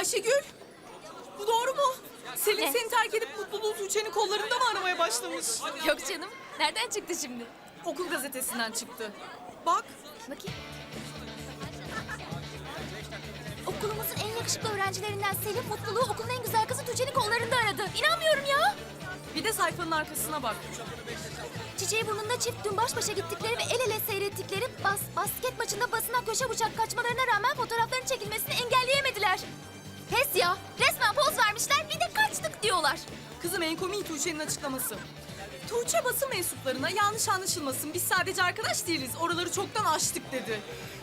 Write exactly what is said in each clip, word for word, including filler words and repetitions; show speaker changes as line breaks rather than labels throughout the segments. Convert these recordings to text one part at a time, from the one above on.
Ayşegül, bu doğru mu? Selin
Ne?
seni terk edip mutluluğu Tuğçe'nin kollarında mı aramaya başlamış?
Yok canım. Nereden çıktı şimdi?
Okul gazetesinden çıktı. Bak,
Bakayım. Okulumuzun en yakışıklı öğrencilerinden Selim mutluluğu okulun en güzel kızı Tuğçe'nin kollarında aradı. İnanmıyorum ya.
bir de sayfanın arkasına bak.
Çiçeği burnunda çift dün baş başa gittikleri ve el ele seyrettikleri bas, basket maçında basına köşe bıçak kaçmalarına rağmen fotoğrafların çekilmesini engelleyemediler. Pes ya. Resmen poz vermişler bir de kaçtık diyorlar.
Kızım en komiği Tuğçe'nin açıklaması. Tuğçe basın mensuplarına yanlış anlaşılmasın. Biz sadece arkadaş değiliz. Oraları çoktan aştık dedi.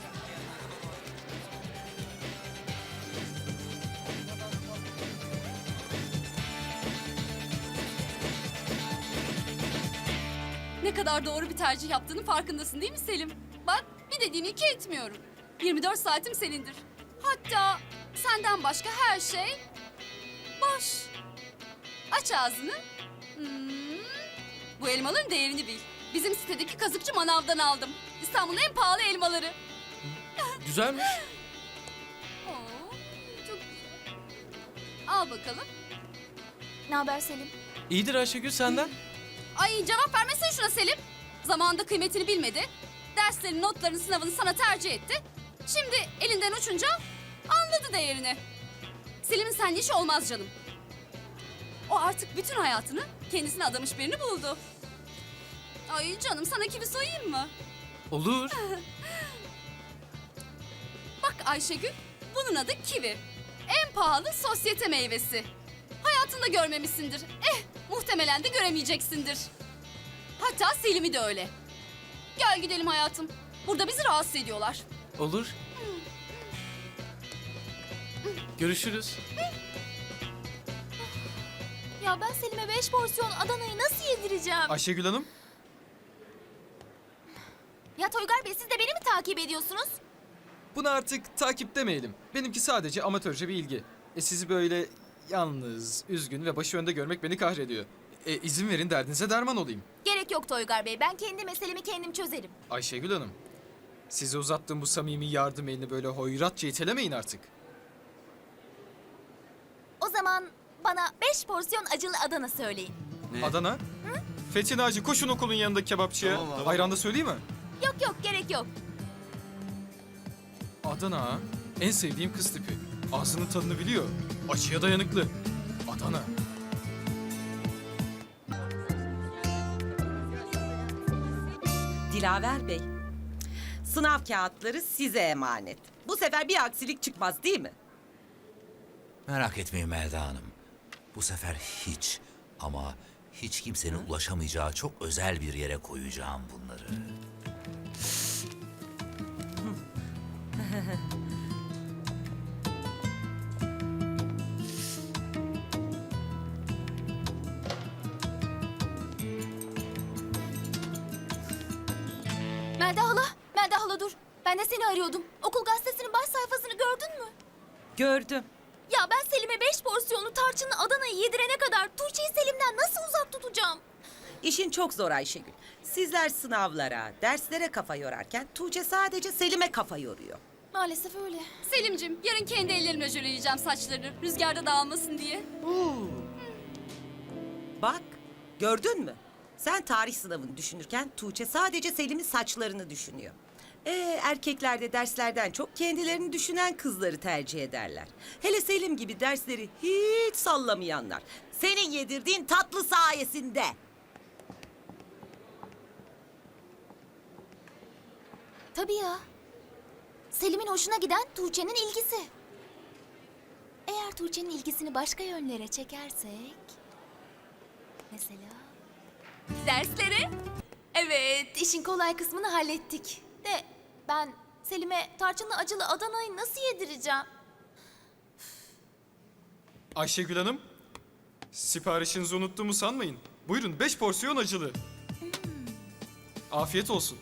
Ne kadar doğru bir tercih yaptığının farkındasın değil mi Selim? Bak bir dediğini iki etmiyorum. yirmi dört saatim senindir. Hatta senden başka her şey boş. Aç ağzını. Hmm. Bu elmaların değerini bil. Bizim sitedeki kazıkçı manavdan aldım. İstanbul'un en pahalı elmaları.
Güzelmiş.
Oo, çok güzel. Al bakalım.
Ne haber Selim?
İyidir Ayşegül senden.
Ay cevap vermesene şuna Selim. Zamanında kıymetini bilmedi. Derslerin, notların, sınavını sana tercih etti. Şimdi elinden uçunca anladı değerini. Selim'in seninle işi olmaz canım. O artık bütün hayatını kendisine adamış birini buldu. Ay canım sana kivi soyayım mı?
Olur.
Bak Ayşegül, bunun adı kivi. En pahalı sosyete meyvesi. Hayatında görmemişsindir. Eh, muhtemelen de göremeyeceksindir. Hatta Selim'i de öyle. Gel gidelim hayatım. Burada bizi rahatsız ediyorlar.
Olur. Görüşürüz.
Ya ben Selim'e beş porsiyon Adana'yı nasıl yedireceğim?
Ayşegül Hanım.
Ya Toygar Bey siz de beni mi takip ediyorsunuz?
Bunu artık takip demeyelim. Benimki sadece amatörce bir ilgi. E sizi böyle yalnız, üzgün ve başı önde görmek beni kahrediyor. E izin verin derdinize derman olayım.
Gerek yok Toygar Bey. Ben kendi meselemi kendim çözerim.
Ayşegül Hanım, size uzattığım bu samimi yardım elini böyle hoyratça itelemeyin artık.
O zaman bana beş porsiyon acılı Adana söyleyin.
Adana? Fethi Naci koşun okulun yanındaki kebapçıya.
Tamam abi.
Ayran da söyleyeyim mi?
Yok yok gerek yok.
Adana ha? En sevdiğim kız tipi. Ağzının tadını biliyor. Acıya dayanıklı. Adana.
Dilaver Bey, sınav kağıtları size emanet. Bu sefer bir aksilik çıkmaz değil mi?
Merak etmeyin Melda Hanım. Bu sefer hiç ama hiç kimsenin ulaşamayacağı çok özel bir yere koyacağım bunları.
Melda hala, Melda hala dur. Ben de seni arıyordum. Okul gazetesinin baş sayfasını gördün mü?
Gördüm.
Ya ben Selim'e beş porsiyonlu tarçınlı Adana'yı yedirene kadar Tuğçe'yi Selim'den nasıl uzak tutacağım?
İşin çok zor Ayşegül. Sizler sınavlara, derslere kafa yorarken Tuğçe sadece Selim'e kafa yoruyor.
Maalesef öyle.
Selim'cim yarın kendi ellerimle jöleleyeceğim saçlarını. Rüzgarda dağılmasın diye.
Bak, gördün mü? Sen tarih sınavını düşünürken Tuğçe sadece Selim'in saçlarını düşünüyor. Ee, erkekler de derslerden çok kendilerini düşünen kızları tercih ederler. Hele Selim gibi dersleri hiç sallamayanlar. Senin yedirdiğin tatlı sayesinde.
Tabii ya. Selim'in hoşuna giden Tuğçe'nin ilgisi. Eğer Tuğçe'nin ilgisini başka yönlere çekersek... Mesela... Derslere? Evet, işin kolay kısmını hallettik. De ben Selim'e tarçınlı acılı Adana'yı nasıl yedireceğim?
Ayşegül Hanım, siparişinizi unuttuğumu sanmayın. Buyurun beş porsiyon acılı. Afiyet olsun.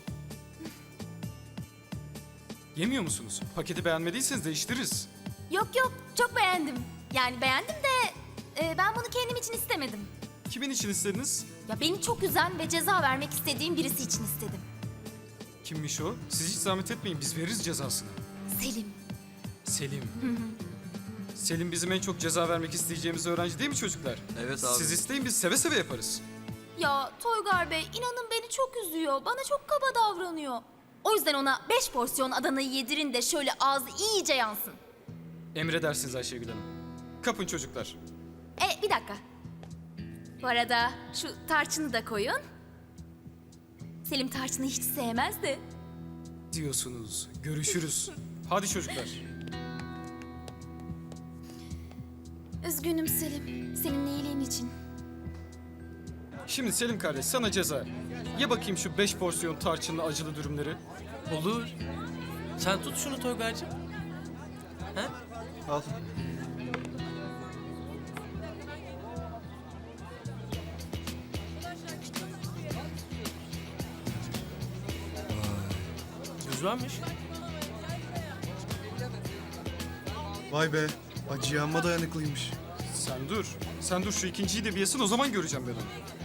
Yemiyor musunuz? Paketi beğenmediyseniz değiştiririz.
Yok yok, çok beğendim. Yani beğendim de e, ben bunu kendim için istemedim.
Kimin için istediniz?
Ya beni çok üzen ve ceza vermek istediğim birisi için istedim.
Kimmiş o? Siz hiç zahmet etmeyin, biz veririz cezasını.
Selim.
Selim. Selim bizim en çok ceza vermek isteyeceğimiz öğrenci değil mi çocuklar?
Evet abi.
Siz isteyin biz seve seve yaparız.
Ya Toygar Bey inanın beni çok üzüyor. Bana çok kaba davranıyor. O yüzden ona beş porsiyon Adana'yı yedirin de şöyle ağzı iyice yansın.
Emredersiniz Ayşegül Hanım. Kapın çocuklar.
E bir dakika. Bu arada şu tarçını da koyun. Selim tarçını hiç sevmez de.
Diyorsunuz. Görüşürüz. Hadi çocuklar.
Üzgünüm Selim. Senin iyiliğin için.
Şimdi Selim kardeş sana ceza. Ye bakayım şu beş porsiyon tarçınlı acılı dürümleri.
Olur. Sen tut şunu Toygar'cığım. Ha?
Al.
Güzelmiş.
Vay be. Acıya amma dayanıklıymış.
Sen dur. Sen dur şu ikinciyi de bir yesin o zaman göreceğim ben onu.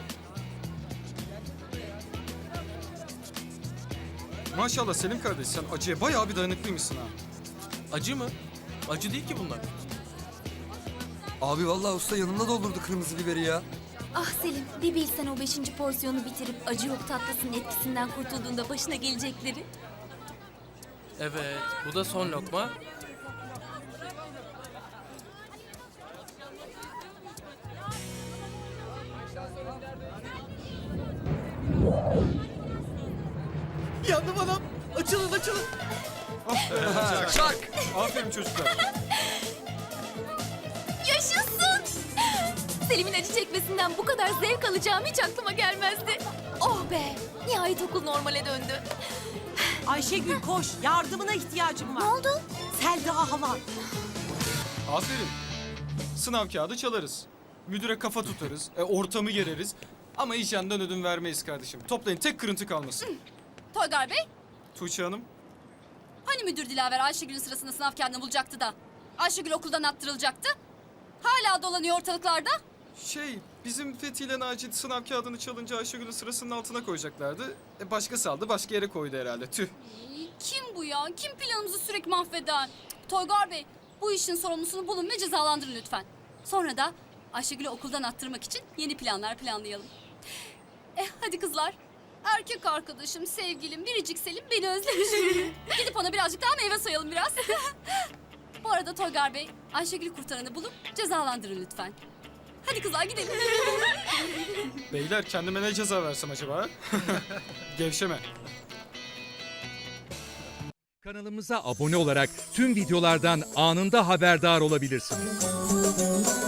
Maşallah Selim kardeş sen acıya bayağı bir dayanıklıymışsın ha.
Acı mı? Acı değil ki bunlar.
Abi vallahi usta yanımda doldurdu kırmızı biberi ya.
Ah Selim, bir bilsen o beşinci porsiyonu bitirip acı yok tatlısının etkisinden kurtulduğunda başına gelecekleri.
Evet, bu da son lokma.
Yandım adam. Açılın açılın.
Çak. Aferin çocuklar.
Yaşasın! Selim'in acı çekmesinden bu kadar zevk alacağım hiç aklıma gelmezdi. Oh be! Nihayet okul normale döndü.
Ayşegül koş. Yardımına ihtiyacım var.
Ne oldu?
Selda hala.
Aferin. Sınav kağıdı çalarız. Müdüre kafa tutarız. E, ortamı gereriz. Ama hijyenden ödün vermeyiz kardeşim. Toplayın tek kırıntı kalmasın.
Toygar Bey,
Tuğçe Hanım.
hani müdür Dilaver Ayşegül'ün sırasında sınav kağıdını bulacaktı da Ayşegül okuldan attırılacaktı? Hala dolanıyor ortalıklarda.
Şey, bizim Fethi ile Naci sınav kağıdını çalınca Ayşegül'ün sırasının altına koyacaklardı. E, başkası aldı, başka yere koydu herhalde. Tüh.
Ay, Kim bu ya? Kim planımızı sürekli mahveden? Cık, Toygar Bey, bu işin sorumlusunu bulun ve cezalandırın lütfen. Sonra da Ayşegül'ü okuldan attırmak için yeni planlar planlayalım. Eh hadi kızlar. Erkek arkadaşım, sevgilim, biricik Selim beni özlemiş. Gidip ona birazcık daha meyve soyalım biraz. Bu arada Toygar Bey, Ayşegül'ü kurtaranı bulup cezalandırın lütfen. Hadi kızlar gidelim.
Beyler kendime ne ceza versem acaba? Gevşeme.
Kanalımıza abone olarak tüm videolardan anında haberdar olabilirsiniz.